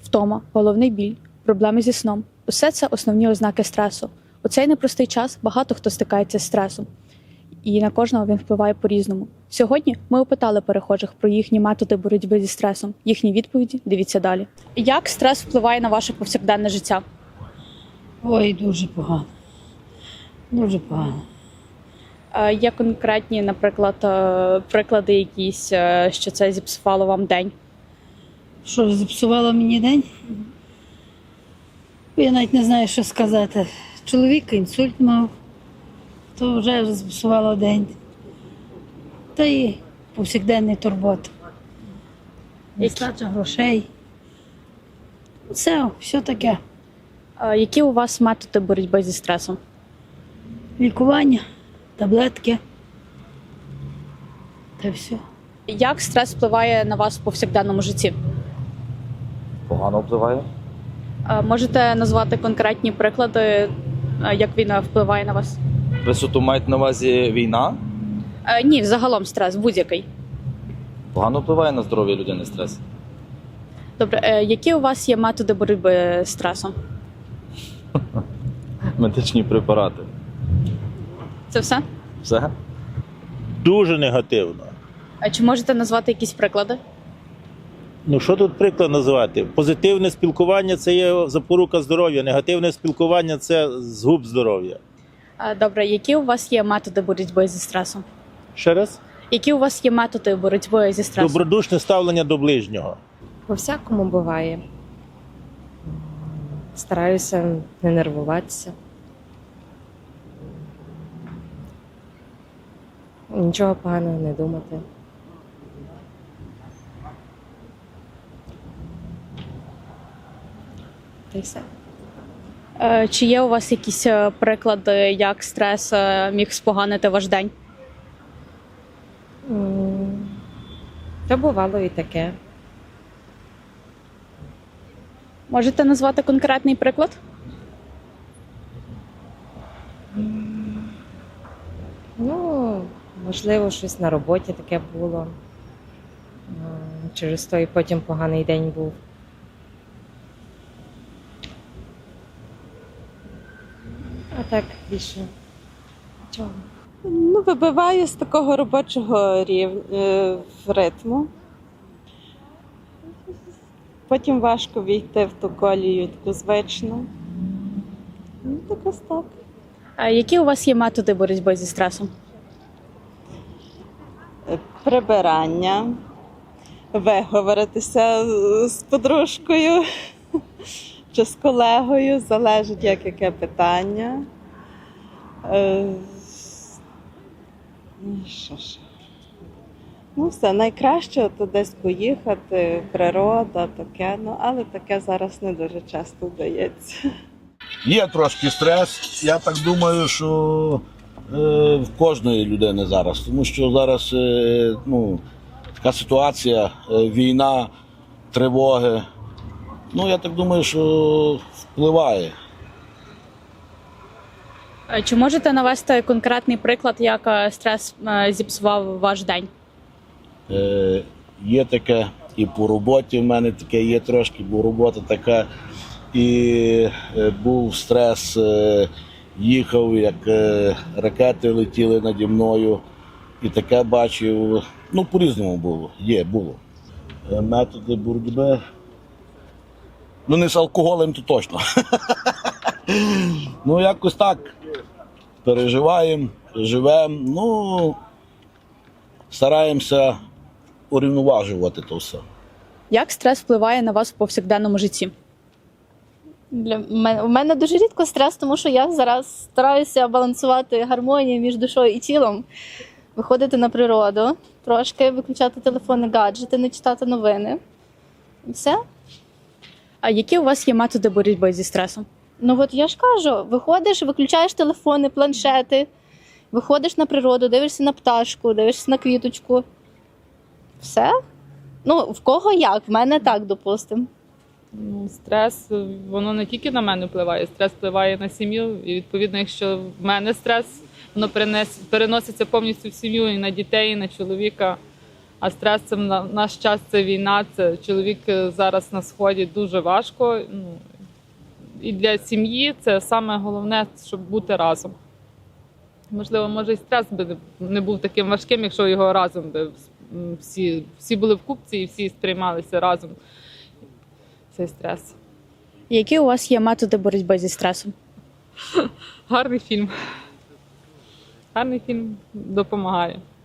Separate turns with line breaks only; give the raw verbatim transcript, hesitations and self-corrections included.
Втома, головний біль, проблеми зі сном – усе це основні ознаки стресу. У цей непростий час багато хто стикається з стресом, і на кожного він впливає по-різному. Сьогодні ми опитали перехожих про їхні методи боротьби зі стресом. Їхні відповіді дивіться далі. Як стрес впливає на ваше повсякденне життя?
Ой, дуже погано. Дуже погано.
Е, Є конкретні, наприклад, е, приклади якісь, е, що це зіпсувало вам день?
Що, зіпсувало мені день? Я навіть не знаю, що сказати. Чоловік інсульт мав, то вже зіпсувало день. Та і повсякденний турбот. Нестача грошей. Все, все таке.
Е, Які у вас методи боротьби зі стресом?
Лікування, таблетки. Та все.
Як стрес впливає на вас в повсякденному житті?
Погано впливає.
Е, Можете назвати конкретні приклади, е, як війна впливає на вас?
Ви маєте на увазі війна?
Е, Ні, взагалом стрес, будь-який.
Погано впливає на здоров'я людини стрес.
Добре, е, які у вас є методи боротьби з стресом?
Медичні препарати.
Це все?
Все?
Дуже негативно.
А чи можете назвати якісь приклади?
Ну що тут приклад назвати? Позитивне спілкування – це є запорука здоров'я, негативне спілкування – це згуб здоров'я.
Е, Добре, які у вас є методи боротьби зі стресом?
Ще раз?
Які у вас є методи боротьби зі стресом?
Добродушне ставлення до ближнього.
По-всякому буває. Стараюся не нервуватися. Нічого поганого не думати. Та й все.
Е, Чи є у вас якісь е, приклади, як стрес е, міг споганити ваш день?
М, Та бувало і таке.
Можете назвати конкретний приклад?
Ну, можливо, щось на роботі таке було. М, Через то і потім поганий день був. А так більше. Чого?
Ну, вибиває з такого робочого рів... е, ритму. Потім важко війти в ту колію таку звичну. Ну, так ось так.
А які у вас є методи боротьби зі стресом?
Е, Прибирання, виговоритися з подружкою чи з колегою, залежить, як яке питання. Е, ну, що ж. Ну, все, найкраще то десь поїхати, природа, таке, ну, але таке зараз не дуже часто вдається.
Є трошки стрес. Я так думаю, що е, в кожної людини зараз. Тому що зараз е, ну, така ситуація, е, війна, тривоги. Ну, я так думаю, що впливає.
Е, Чи можете навести конкретний приклад, як е, стрес е, зіпсував ваш день?
Е, є таке і по роботі в мене таке є трошки, бо робота така. І е, був стрес, е, їхав, як е, ракети летіли наді мною. І таке бачив. Ну, по-різному було. Є, було. Е, методи боротьби. Ну, не з алкоголем, то точно. Ну, якось так. Переживаємо, живемо. Ну, стараємося урівноважувати то все.
Як стрес впливає на вас в повсякденному житті?
Для мене, у мене дуже рідко стрес, тому що я зараз стараюся балансувати гармонію між душою і тілом, виходити на природу, трошки виключати телефони, гаджети, не читати новини. І все.
А які у вас є методи боротьби зі стресом?
Ну от я ж кажу, виходиш, виключаєш телефони, планшети, виходиш на природу, дивишся на пташку, дивишся на квіточку. Все. Ну, в кого як, в мене так, допустимо.
Ну, стрес, воно не тільки на мене впливає, стрес впливає на сім'ю. І відповідно, якщо в мене стрес, воно перенес, переноситься повністю в сім'ю, і на дітей, і на чоловіка. А стрес це в на- наш час це війна. Це чоловік е, зараз на сході дуже важко. Ну, і для сім'ї це саме головне, щоб бути разом. Можливо, може і стрес би не- не був таким важким, якщо його разом би м, всі, всі були в купці і всі сприймалися разом. Цей стрес.
Які у вас є методи боротьби зі стресом?
Гарний фільм. Гарний фільм допомагає.